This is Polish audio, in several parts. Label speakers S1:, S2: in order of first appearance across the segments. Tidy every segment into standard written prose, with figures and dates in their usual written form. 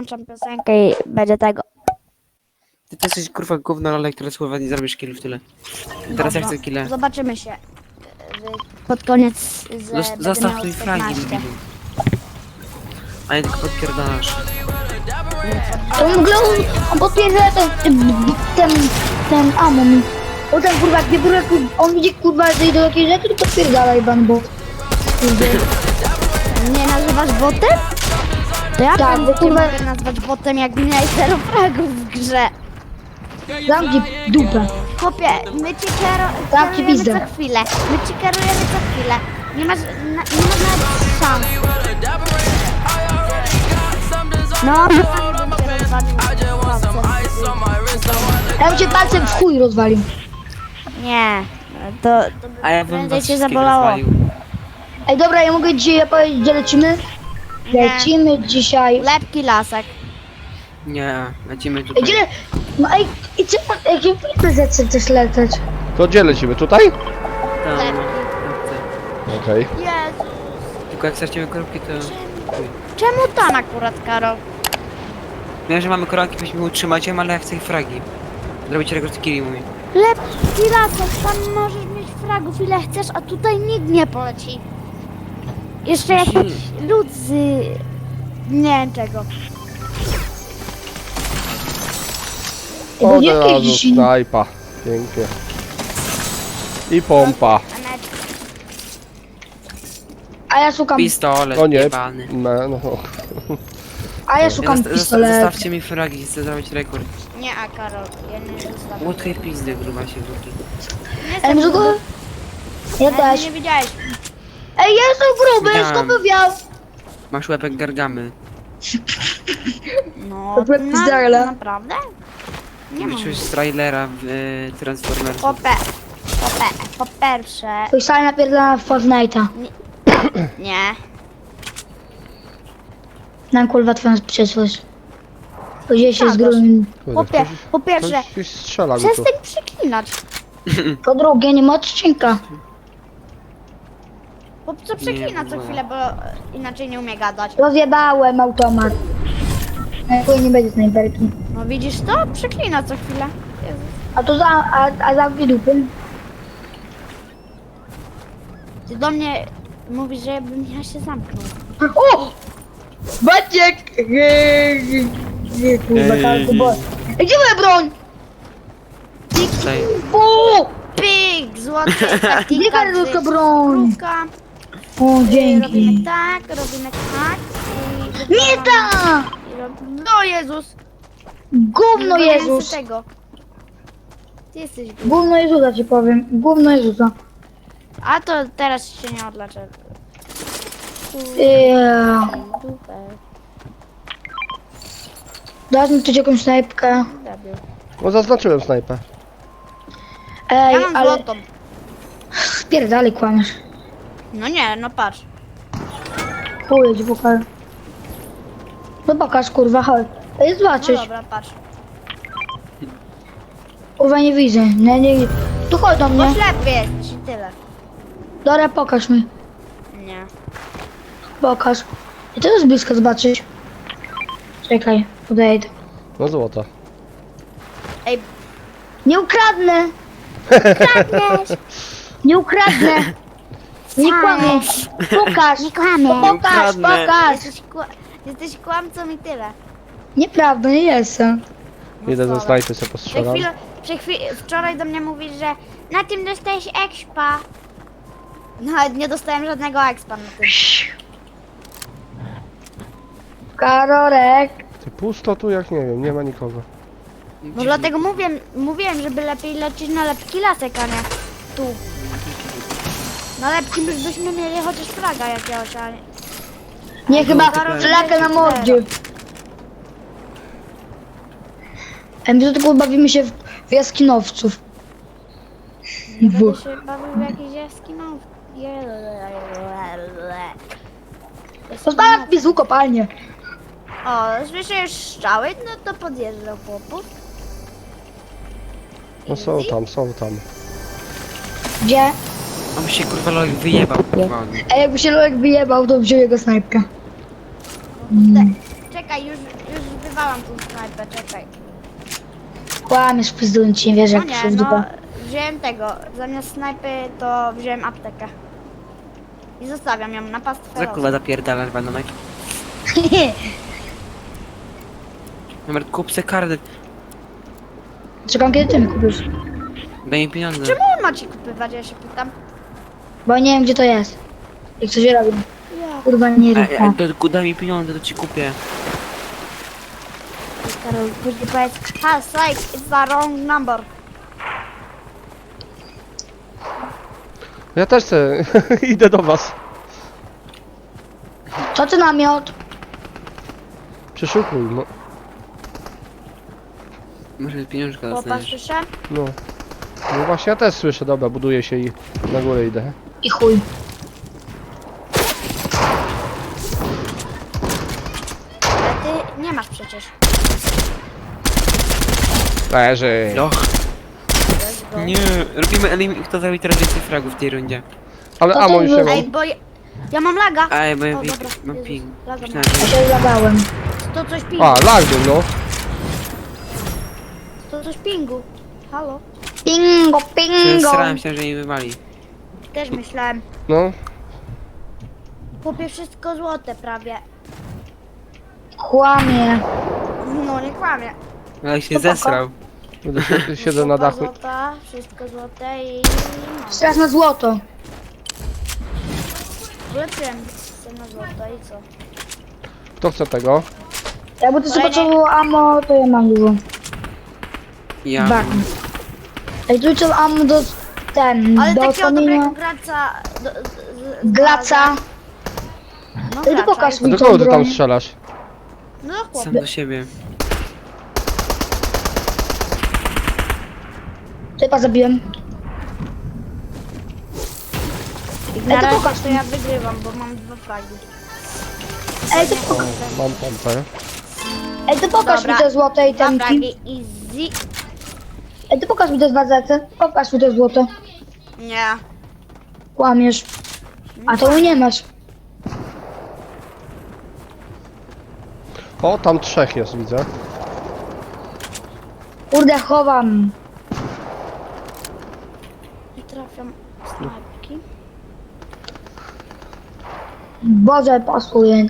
S1: włączam piosenkę i będzie tego.
S2: Ty to jesteś kurwa gówno, ale które słowa nie zrobisz killów tyle. Teraz ja chcę kille.
S1: Zobaczymy się pod koniec.
S2: Zostaw tu flagi, debilu. A nie tylko podpierdalasz.
S3: To w ogóle on potwierdza ten amon. O ten kurwa, gdzie kurwa, on widzi kurwa, że idą jakieś rzeczy, to potwierdala ban bot.
S1: Nie nazywasz botem? To ja
S3: Tak, bo kurwa,
S1: mogę nazwać botem, jak miałeś 0 fragów w grze.
S3: zamknij dupę.
S1: Chłopie, my ci
S3: Tak, ci
S1: kierujemy
S3: pizdę.
S1: co chwilę. My ci kierujemy co chwilę. Nie masz nawet szans. No,
S3: Ja bym cię palcem w chuj rozwalił.
S1: nie, to
S2: A ja bym
S1: prędzej
S2: was
S1: cię
S2: wszystkich
S1: zabolało.
S2: rozwalił.
S3: Ej, dobra, ja mogę dzisiaj powiedzieć, gdzie lecimy?
S1: Nie.
S3: Lecimy dzisiaj.
S1: Lepki lasek.
S2: Nie, lecimy
S3: Ej,
S2: tutaj.
S3: gdzie le... No ej, i co, jakie PZ chcesz leceć?
S4: To gdzie lecimy? Tutaj?
S2: Tam,
S1: Lepki.
S2: no,
S4: Okej.
S1: Jezu.
S2: tylko jak stracimy koronki, to... Chuj.
S1: Czemu tam akurat, Karol?
S2: Wiem, że mamy koronki, byśmy utrzymać ją, ale ja chcę ich fragi. Zrobić rekord killi, mówi.
S1: Lepki lasek, tam możesz mieć fragów ile chcesz, a tutaj nikt nie poleci. Jeszcze jakiś lud z... nie wiem czego.
S3: Bo
S4: Od
S3: nie
S4: razu
S3: jakieś dzisiaj.
S4: snajpa. Pięknie. I pompa.
S3: A ja szukam,
S2: Pistolet,
S4: O nie.
S2: jebany.
S4: No.
S3: a ja szukam pistoletu.
S2: Zostawcie mi fragi, chcę zrobić rekord.
S1: Nie, a Karol, ja nie zostawię.
S2: Łódkę pizdy, gruba się wróci.
S3: Ej, może go... Ja też.
S1: Nie widziałeś.
S3: Ej, ja jestem gruby,
S2: Widziałem.
S3: skąd by wiał?
S2: Masz łepek gargamy.
S1: No,
S3: To była pizdala.
S1: naprawdę? Nie mam.
S2: Wyszłeś z trailera w Transformers.
S1: Po pierwsze,
S3: Twój sal napierdala w Fortnite'a.
S1: nie.
S3: Nam kurwa twoją przyszłość. Gdzie się z
S1: Tak,
S3: grubym.
S1: Chłopie, po pierwsze,
S4: Ktoś strzela mi tu.
S1: przestań przeklinać.
S3: Po drugie, nie ma odcinka.
S1: Bo co przeklina co
S2: Nie,
S1: chwilę, bo inaczej nie umie gadać.
S3: Rozjebałem automat. No nie będzie snajperki.
S1: No widzisz to? Przeklina co chwilę. Jezus.
S3: A to a zamknij dupy.
S1: Ty do mnie mówisz, żebym ja się zamknął.
S3: O! Maciek! Kurwa, kalku, bo... Ej, gdzie moja broń?
S2: Tutaj.
S3: O!
S1: Pyk! Złoty taktika.
S3: Gdzie karolka broń?
S1: Krówka.
S3: O,
S1: Robimy
S3: dzięki.
S1: tak, robimy tak. I
S3: Nie ta!
S1: No Jezus!
S3: Gówno
S1: Nie
S3: Jezus!
S1: tego. Ty jesteś głupi.
S3: Gówno Jezusa ci powiem. Gówno Jezusa.
S1: A to teraz się nie odlaczę. Dupę.
S3: Dasz mi tu jakąś snajpkę.
S1: Debil.
S4: No zaznaczyłem snajpę.
S3: Ej,
S1: Ja mam
S3: ale...
S1: złotą.
S3: Spierdalej kłamiesz.
S1: No nie, no patrz.
S3: Chuj, ci pokażę. No pokaż, kurwa, chodź. Ej,
S1: No
S3: zobaczysz.
S1: dobra, patrz.
S3: Kurwa, nie widzę. Nie. Tu chodź do
S1: Bo
S3: mnie.
S1: ślepy jest i tyle.
S3: Dobra, pokaż mi.
S1: Nie.
S3: Pokaż. I to jest blisko zobaczyć. Czekaj, podejdę.
S4: No złota.
S1: Ej,
S3: Nie ukradnę!
S1: kradniesz!
S3: Nie ukradnę! Nie kłamię! Pokaż!
S1: Nie kłamie.
S3: No pokaż,
S2: ukradnę.
S3: pokaż!
S1: Jesteś kłamcą i tyle.
S3: Nieprawda, nie jestem.
S1: No
S4: Idę ze
S1: wcale.
S4: snajpy sobie postrzelam.
S1: Wczoraj do mnie mówisz, że na tym dostałeś expa. Nawet nie dostałem żadnego expa na tym.
S3: Karorek!
S4: Ty pusto tu jak nie wiem, nie ma nikogo.
S1: No dlatego mówiłem, żeby lepiej lecieć na lepki lasek, a nie tu. Na lepki byśmy mieli chociaż fraga jakiegoś, a nie.
S3: Nie, chyba
S1: Karol,
S3: flakę na
S1: leci
S3: mordzie. My tu tylko bawimy się w jaskinowców.
S1: Będę się bawił w jakiejś jaskinowce.
S3: Postawiam mi złu kopalnię.
S1: O, słyszę już strzały, no to podjeżdżał chłopów.
S4: No są tam.
S3: Gdzie?
S2: On się kurwa Lolek wyjebał. kurwa.
S3: A jakby się Lolek wyjebał, to wziął jego snajpkę.
S1: Czekaj, już wywalam tą snajpę, czekaj.
S3: Kłamiesz, pizduję ci, nie wierzę,
S1: No
S3: jak
S1: nie,
S3: przyszedł w
S1: no
S3: dupę.
S1: wziąłem tego, zamiast snajpy to wziąłem aptekę. I zostawiam ją na pastwę
S2: Za kurwa zapierdalasz bananek. Numer kup se karnet.
S3: Czekam, kiedy ty mi kupisz.
S2: Daj mi pieniądze.
S1: Czemu on ma ci kupywać, ja się pytam?
S3: Bo nie wiem, gdzie to jest. Jak coś robię.
S1: Ja,
S3: Kurwa, nie rób tak.
S2: Daj mi pieniądze, to ci kupię.
S1: Karol, później powiedz, ha, psych, it's the wrong number.
S4: Ja też chcę. Idę do was.
S3: Co ty namiot?
S4: Przeszukuj, no.
S2: Może pieniążka
S1: Popatrz,
S2: dostaniesz.
S1: słyszę?
S4: No. No właśnie ja też słyszę, dobra, buduję się i na górę idę.
S3: I chuj.
S1: Ale ty nie masz przecież.
S4: Leży.
S2: Och,
S1: Let's go.
S2: nie. Robimy elim, kto zrobi teraz więcej fragów w tej rundzie.
S4: Ale
S3: To
S4: amo
S3: ty
S4: już nie
S3: wy-
S4: mam.
S1: Ej, bo ja mam laga.
S2: Ej, bo ja
S1: O, dobra,
S2: mam
S1: Jezus,
S2: ping.
S1: laga
S2: Myślałem,
S3: Ja
S2: że...
S3: się zlagałem.
S1: To coś pingu.
S4: A, lag był, no.
S1: To coś pingu. Halo?
S3: Pingo, pingo.
S2: Starałem się, że nie wywali.
S1: Też myślałem.
S4: No.
S1: Kupię wszystko złote prawie.
S3: Kłamie.
S1: No nie kłamie.
S2: Ale się
S3: To poko.
S2: zesrał.
S4: Będę siedzę na
S1: Kupa
S4: dachu.
S1: Złota, wszystko złote i no.
S3: Teraz na złoto.
S1: Ulepszyłem się na złoto i co?
S4: Kto chce tego?
S3: Jakby to sobie
S1: Kolejny.
S3: potrzebowało ammo, to ja mam dużo.
S2: Ja.
S3: Barn. Ej, tu trzeba ammo do
S1: Ale
S3: do
S1: takiego
S3: kamienia.
S1: dobrego graca...
S3: Glaca.
S1: No
S3: Ej, ty
S1: gracza.
S3: pokaż
S4: A
S3: mi
S4: do
S3: tą
S4: kogo ty tam
S3: broń.
S4: strzelasz?
S1: No
S2: Sam
S1: chłopie.
S2: do siebie.
S3: Typa zabiłem.
S1: Na
S3: Ej, to
S1: razie
S3: pokaż
S1: to
S3: mi.
S1: ja wygrywam, bo mam 2 flagi.
S3: Ej, to
S4: O,
S3: pokaż.
S4: mam pompę.
S3: Ej, to pokaż
S1: Dobra.
S3: mi te złote
S1: 2
S3: itemki.
S1: flagi easy.
S3: Ej, to pokaż mi te 2 zety. Pokaż mi te złote.
S1: Nie.
S3: Kłamiesz. A to nie masz.
S4: O, tam 3 jest, widzę.
S3: Kurde, chowam.
S1: Nie trafiam snajpki.
S3: Boże, pasuje.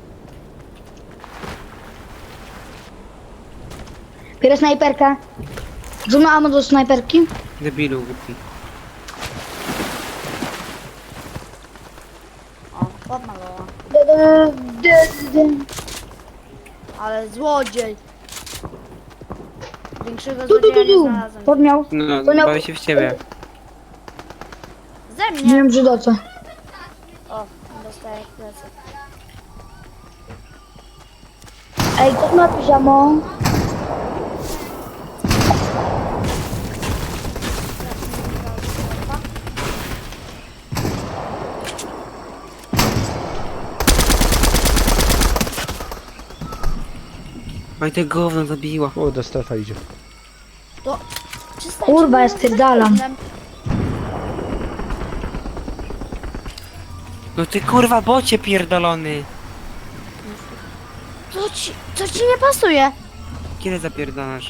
S3: Biorę snajperkę. Rzucę ammo do snajperki.
S2: Debilu głupi.
S1: O, podmalowała.
S3: Dy.
S1: Ale złodziej. Większego
S3: Du, du,
S1: złodzieja
S3: du,
S1: nie
S3: du.
S1: znalazłem.
S3: Podmiał.
S2: No,
S3: To miał-
S2: bawię się w ciebie.
S1: Ze
S3: Nie
S1: mnie.
S3: wiem, czy do co.
S1: O, dostaję plecy.
S3: Ej, to ma piżamo.
S2: Oj, te gówno zabiło.
S4: Kurde, strefa idzie.
S1: To... przestańcie
S3: Kurwa,
S1: mnie
S3: ja spierdalam.
S1: rozmawiać.
S2: No ty kurwa bocie pierdolony.
S1: Co ci nie pasuje?
S2: Kiedy zapierdalasz?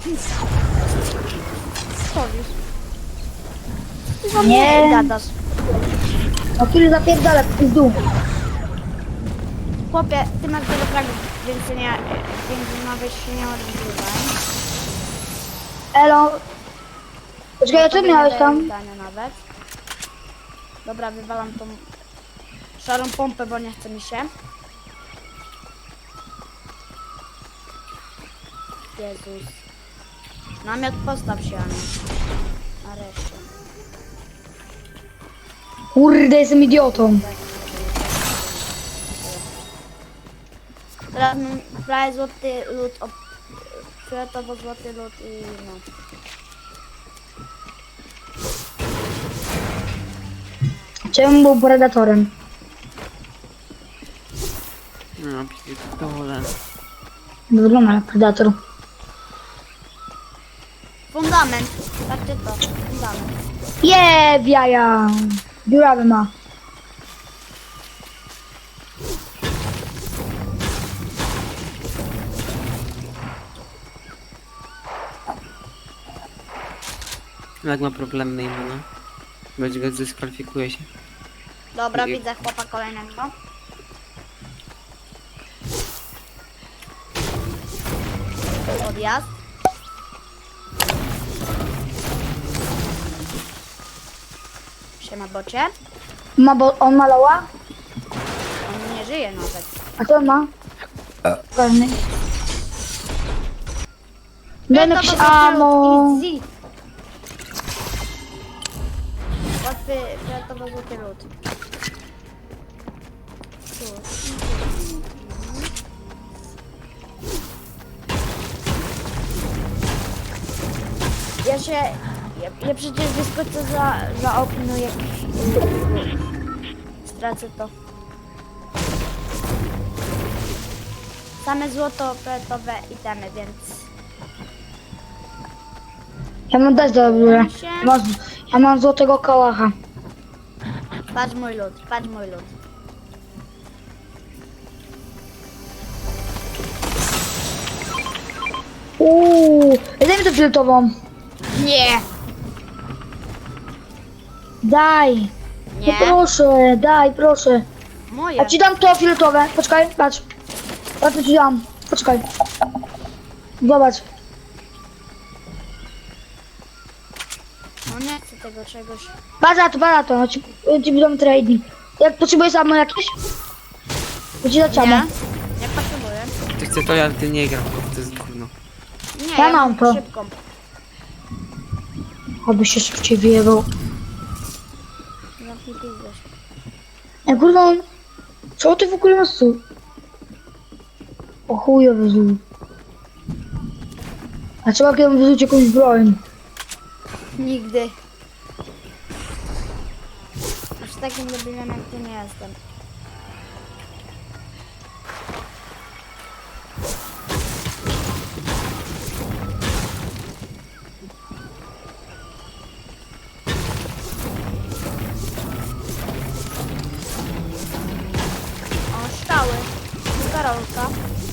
S1: Stoisz. Ty za
S3: Nie.
S1: mnie gadasz.
S3: O który zapierdala, w pizdu.
S1: Chłopie, ty masz dużo fragów, więc nawet się nie odgrywaj.
S3: Elo. Poczekaj, a co
S1: Tobie nie
S3: miałeś
S1: daję
S3: tam?
S1: zdania nawet. Dobra, wywalam tą szarą pompę, bo nie chce mi się. Jezus. Namiot postaw się, Aniu. Nareszcie.
S3: Kurde, jestem idiotą.
S1: Teraz mam prawie złoty lód, fioletowo-złoty lód i no.
S3: Czemu był predatorem?
S2: No, pierdolę.
S3: Wygląda jak predator.
S1: Fundament. Patrzcie to. Fundament.
S3: Je, w jaja. Dziurawy ma.
S2: Jak ma problem na imiona. Będzie go dyskwalifikuje się.
S1: Dobra,
S2: Nie.
S1: widzę chłopa kolejnego. Odjazd. Siema bocie.
S3: On ma loła?
S1: On nie żyje nawet.
S3: A co on ma? Pewnie. Daj mi jakieś ammo.
S1: Easy. Łatwy, fioletowo złoty lód. Ja przecież wyskoczę za okno, jak stracę to. Same złoto, fioletowe itemy, więc...
S3: Ja mam dać do góry. Ja mam złotego kałacha.
S1: Patrz mój lód, patrz mój lód.
S3: Daj mi to fioletową.
S1: Nie!
S3: Daj. No
S1: Nie!
S3: proszę, daj, proszę.
S1: Moje!
S3: Ja ci dam to fioletowe. Poczekaj, patrz. Ja to ci dam. Poczekaj. Zobacz.
S1: No nie chcę tego czegoś.
S3: Patrz na to. Ja ci dam trading. Jak potrzebujesz ammo jakieś? To ci dać ammo.
S1: Nie? Nie potrzebuję.
S2: Ty chce to, ja ty nie gram, to jest gówno.
S1: Nie,
S3: Ja mam to.
S1: szybką.
S3: Oby się szybciej wyjebał.
S1: Zamknij pizdę.
S3: Ej, kurwa, co ty w ogóle masz tu? O chujowy zły. A trzeba kiedy wyrzucić jakąś broń.
S1: Nigdy. Aż takim debilem jak ty nie jestem. O, szczały. Karolka.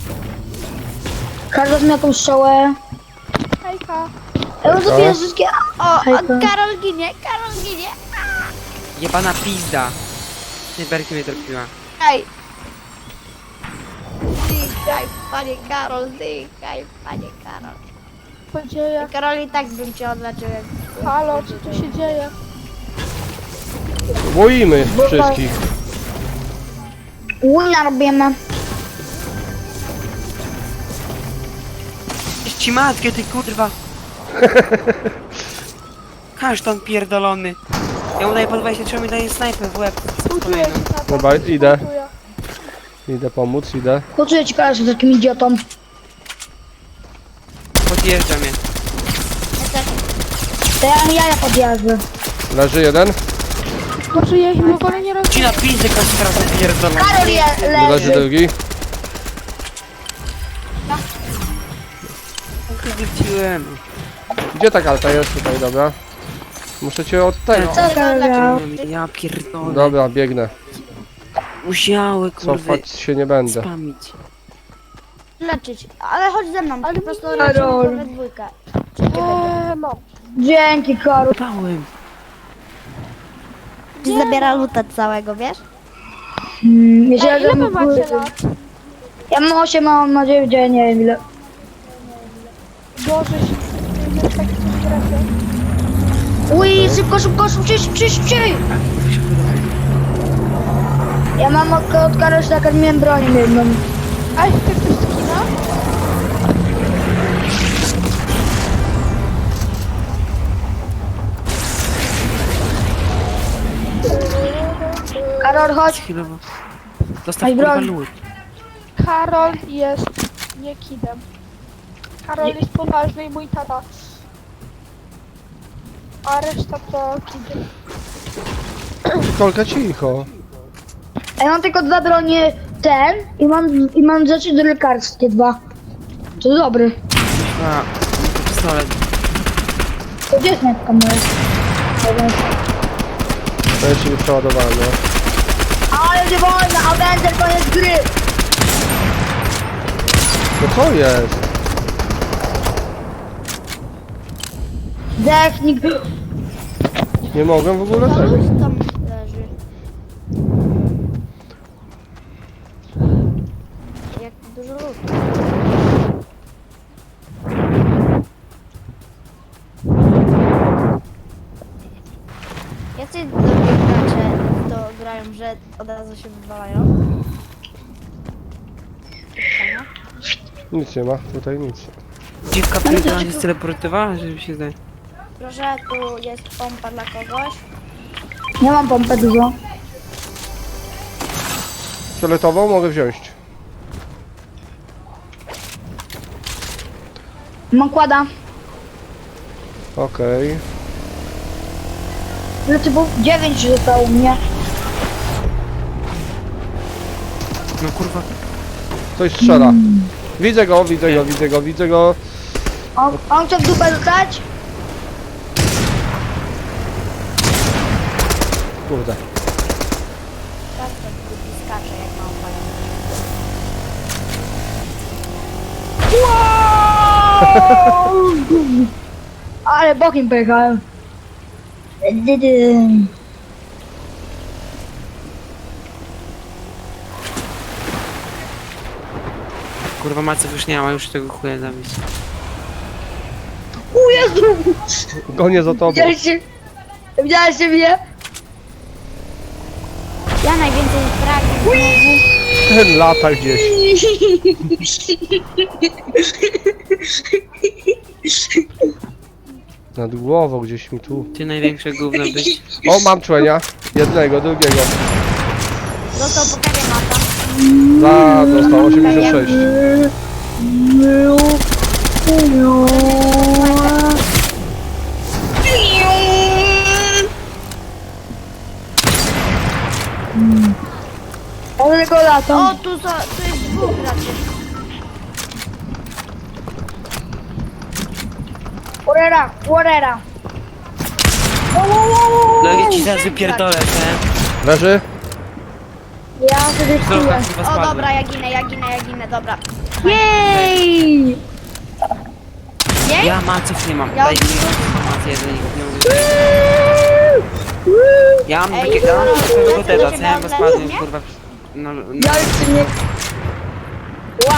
S3: Każda ma jakąś strzałę.
S1: Hejka.
S3: Ja bym zabiję wszystkie.
S1: O,
S3: Hejka.
S1: Karol ginie, Karol ginie.
S2: Jebana pizda! Snajperki mnie trafiła.
S1: Hej. Zdychaj, panie Karol, zdychaj, panie Karol.
S5: Co dzieje?
S1: Karol, i tak bym cię odleczył jak...
S5: Halo, co tu się dzieje?
S4: Boimy wszystkich.
S3: Wina robimy.
S2: Ci matkę, ty kurwa! Kasztan pierdolony! Ja mu daję po 23, mi daje snajper w łeb.
S5: Współczuję ci na to.
S4: Dobra, idę.
S5: Współczuję.
S4: Idę pomóc, idę.
S3: Poczuję ci kojarzysz z takim idiotą.
S2: Podjeżdża mnie.
S3: To ja podjadę.
S4: Leży jeden.
S5: Znaczy ja ich w ogóle nie rozumiem.
S2: Ci na pizdę kasztan pierdolony.
S3: Karol
S4: Leży
S3: leży.
S4: drugi.
S2: Wróciłem.
S4: Gdzie ta karta jest? Tutaj, dobra. Muszę cię od tego.
S3: Co Karol?
S2: Ja pierdolę.
S4: Dobra, biegnę.
S2: Musiały kurwa
S4: Cofać się nie będę.
S2: spamić.
S1: Leczyć, ale chodź ze mną,
S5: Ale
S1: po prostu
S3: Karol.
S1: leczymy we dwójkę. Czy nie będę?
S5: No.
S3: Dzięki Karol.
S2: Pałem.
S1: Ci zabiera luta całego, wiesz?
S3: Jeżeli
S5: Ej, ile wy macie lat?
S3: Ja mam 8, a on ma 9, ja nie wiem ile.
S5: Boże, się jest taki strefy.
S3: Ui, szybciej! Ja mam od Karola tak miałem broń jedną.
S5: A chcesz coś skina?
S3: Karol, chodź.
S2: Chwilowo. Dostaw
S3: Ej,
S2: kurwa
S3: broń.
S2: lód.
S5: Karol jest nie kidem. Karol jest poważny i mój tata. A reszta to kidy.
S4: Kolka cicho.
S3: A ja mam tylko 2 bronie ten i mam rzeczy do lekarskie 2. To dobry.
S2: A, pistolet.
S3: To gdzie jest metka moja?
S4: To jeszcze nie przeładowałem, no.
S3: Ale nie wolno, a będzie koniec gry.
S4: No co jest?
S3: Zdechnik.
S4: Nie mogłem w ogóle
S1: To
S4: tego.
S1: lód tam leży. Jak dużo ludu. Jacy dobrzy gracze to grają, że od razu się wywalają? Pytania?
S4: Nic nie ma, tutaj nic.
S2: Dziwka powiedziała, że się teleportowała, żeby się zdaje.
S1: Proszę, tu jest pompa dla kogoś.
S3: Nie mam pompę dużo.
S4: Fioletową mogę wziąć.
S3: Mam kłada.
S4: Okej.
S3: Znaczy, bo 9 zostało u mnie.
S2: No kurwa.
S4: Ktoś strzela. Widzę go, widzę go, widzę go, widzę go.
S3: On chce w dupę dostać?
S4: Kurde.
S1: Tak, to drugi skacze jak małpa.
S3: Ale bokiem pojechałem.
S2: Kurwa Macek już nie ma, już tego chuja zabić.
S3: O Jezu!
S4: Gonię za tobą.
S3: Widziałeś mnie?
S1: Ja najwięcej fragów znowu.
S4: Ten lata gdzieś. Nad głową gdzieś mi tu.
S2: Ty największe gówno być.
S4: O, mam człenia. Jednego, drugiego.
S1: Został po kawie mata.
S4: Dostał 86.
S3: Ale go
S1: O,
S3: latam.
S1: tu jest dwóch graczy.
S3: Urera, urera.
S2: No ja ci zaraz wypierdolę, nie?
S4: Leży?
S3: Ja sobie
S2: Znowu
S3: czuję.
S2: chyba
S1: O,
S2: spadłem.
S1: dobra, ja ginę, dobra.
S3: Jej!
S2: Ja Maców nie mam.
S1: Ja
S2: Daj mi
S1: odwrócę.
S2: Mac jeden i nie mogę. Ja mam
S1: Ej,
S2: takie
S1: Karol,
S2: swojego
S1: lecę
S2: teda,
S1: do
S2: co
S1: ciebie
S2: ja bo
S1: od
S2: spadłem
S1: lewej,
S2: kurwa. No, no.
S3: Ja już nie... Ła!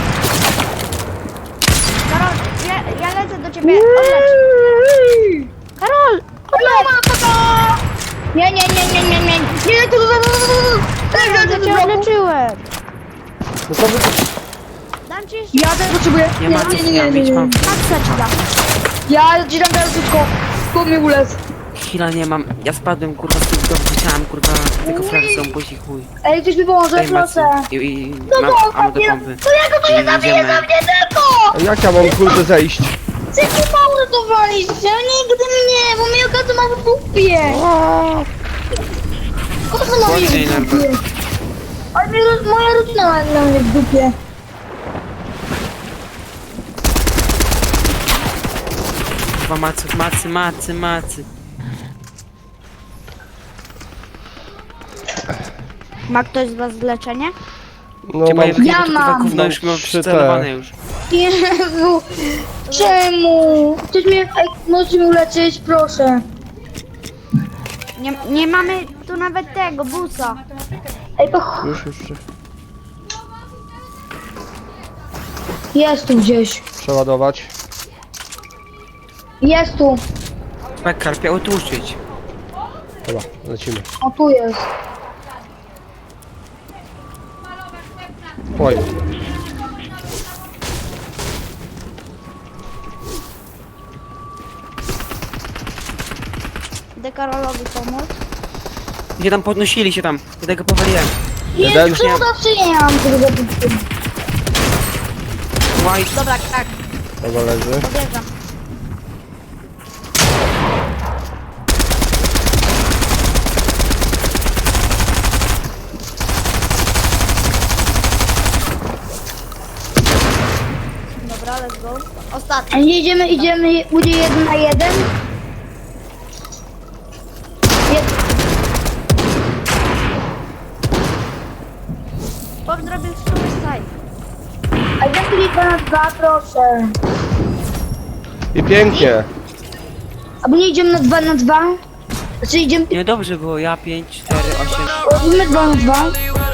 S1: Karol, ja lecę do ciebie, odlecz. Karol, odlecz.
S3: Nie, nie, nie, nie, nie, nie. Nie,
S1: Ja cię odleczyłem.
S4: No to wy...
S1: Dam ci jeszcze
S3: Ja też potrzebuję.
S2: Ja Maców nie mam, mieć mam.
S1: maksa ci dam.
S3: Ja ci dam teraz wszystko. Skąd mi ulec?
S2: Chwila nie mam. Ja spadłem kurwa z tym domu, chciałem kurwa tylko fragi są buzi chuj.
S3: Ej, ktoś mi pomoże,
S2: Daj
S3: proszę.
S2: Macy i mam ammo do pompy.
S3: To ja go tu nie
S2: I
S3: zabiję
S2: idziemy.
S3: za mnie tylko!
S4: A jak ja mam kurde zejść?
S3: Chcecie mało to walić, nigdy mnie, bo mnie okaże ma w dupie. Kogo ma mnie
S2: Chodźcie,
S3: w
S2: Nerwa.
S3: dupie? Ale moja rodzina ma dla mnie w dupie.
S2: Kurwa Maców, macy.
S1: Ma ktoś z was leczenie?
S4: No
S2: Cię
S4: mam...
S2: moje
S3: Ja
S2: kurwa
S3: mam.
S2: gówno już mam
S4: 3T.
S2: przycelowane już.
S3: Jezu, czemu? Ktoś mnie, ej, możecie mi uleczyć, proszę.
S1: Nie mamy tu nawet tego, busa.
S3: Ej, to
S4: Już.
S3: jest tu gdzieś.
S4: Przeładować.
S3: Jest tu.
S2: Tak, karpia utłuszczyć.
S4: Dobra, lecimy.
S3: O, tu jest.
S4: Oj.
S1: Idę Karolowi pomóc.
S2: Gdzie tam podnosili się tam? Ja tego powaliłem.
S4: Jeden.
S3: Jest tu, zawsze nie mam tego zabicia.
S2: White.
S1: Dobra, tak,
S4: Dobra, leży.
S1: podjeżdżam. Dobra, let's go. Ostatni.
S3: A nie idziemy, będzie 1 na 1.
S1: Bob zrobił suicide.
S3: A ja tu 2 na 2, proszę.
S4: I pięknie.
S3: Albo nie idziemy na 2 na 2? Znaczy idziemy...
S2: Nie, dobrze było, ja 5, 4, 8.
S3: Robimy 2 na 2.